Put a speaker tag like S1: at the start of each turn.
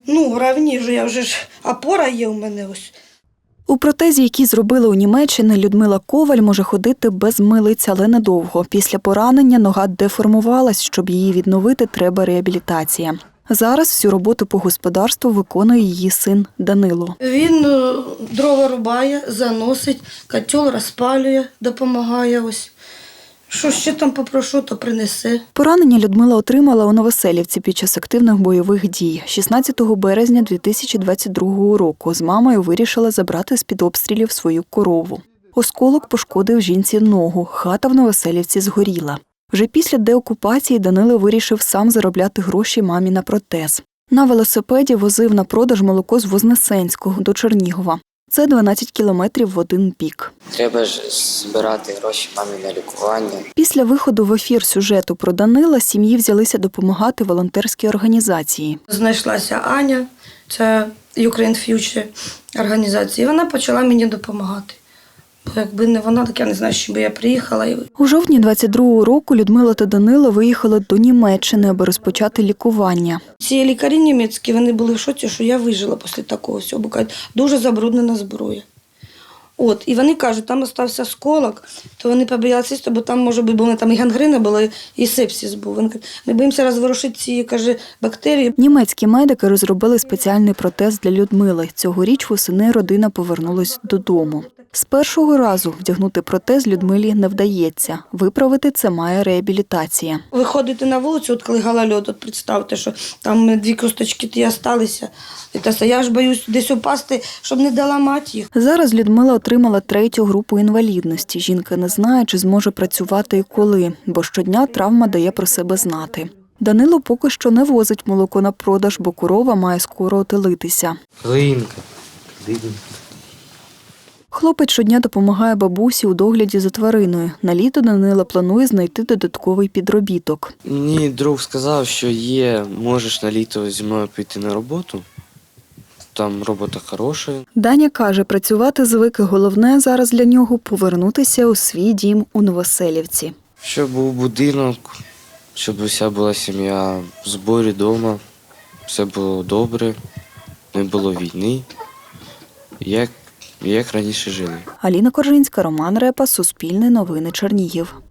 S1: Раніше, я вже ж опора є у мене ось.
S2: У протезі, який зробили у Німеччині, Людмила Коваль може ходити без милиць, але недовго. Після поранення нога деформувалась, щоб її відновити, треба реабілітація. Зараз всю роботу по господарству виконує її син Данило.
S1: Він дрова рубає, заносить, котел розпалює, допомагає ось. Що ще там попрошу, то принесе.
S2: Поранення Людмила отримала у Новоселівці під час активних бойових дій. 16 березня 2022 року з мамою вирішила забрати з-під обстрілів свою корову. Осколок пошкодив жінці ногу, хата в Новоселівці згоріла. Вже після деокупації Данило вирішив сам заробляти гроші мамі на протез. На велосипеді возив на продаж молоко з Вознесенського до Чернігова. Це 12 кілометрів в один бік.
S3: Треба ж збирати гроші мамі на лікування.
S2: Після виходу в ефір сюжету про Данила сім'ї взялися допомагати волонтерській організації.
S1: Знайшлася Аня, це Ukraine Future організація, і вона почала мені допомагати. Бо якби не вона, так я не знаю, що би я приїхала.
S2: У жовтні 22-го року Людмила та Данило виїхали до Німеччини, аби розпочати лікування.
S1: Ці лікарі німецькі, вони були в шоці, що я вижила після такого всього, бо кажуть, дуже забруднена зброя. І вони кажуть, там залишився осколок, то вони побоялися, бо там, може бути, там і гангрена була, і сепсис був. Вони кажуть, ми боїмося розворушити ці, каже, бактерії.
S2: Німецькі медики розробили спеціальний протез для Людмили. Цьогоріч восени родина повернулась додому. З першого разу вдягнути протез Людмилі не вдається. Виправити це має реабілітація.
S1: Виходити на вулицю, коли голольот, представте, що там 2 косточки ті залишилися. Я ж боюсь десь упасти, щоб не доламати їх.
S2: Зараз Людмила отримала 3-ю групу інвалідності. Жінка не знає, чи зможе працювати і коли, бо щодня травма дає про себе знати. Данило поки що не возить молоко на продаж, бо корова має скоро отелитися.
S3: Глинка.
S2: Хлопець щодня допомагає бабусі у догляді за твариною. На літо Данила планує знайти додатковий підробіток.
S4: Мені друг сказав, що можеш на літо зі мною піти на роботу. Там робота хороша.
S2: Даня каже, працювати звик, і головне зараз для нього – повернутися у свій дім у Новоселівці.
S4: Щоб був будинок, щоб уся була сім'я в зборі вдома, все було добре, не було війни, як раніше жили.
S2: Аліна Коржинська, Роман Репа, Суспільне новини, Чернігів.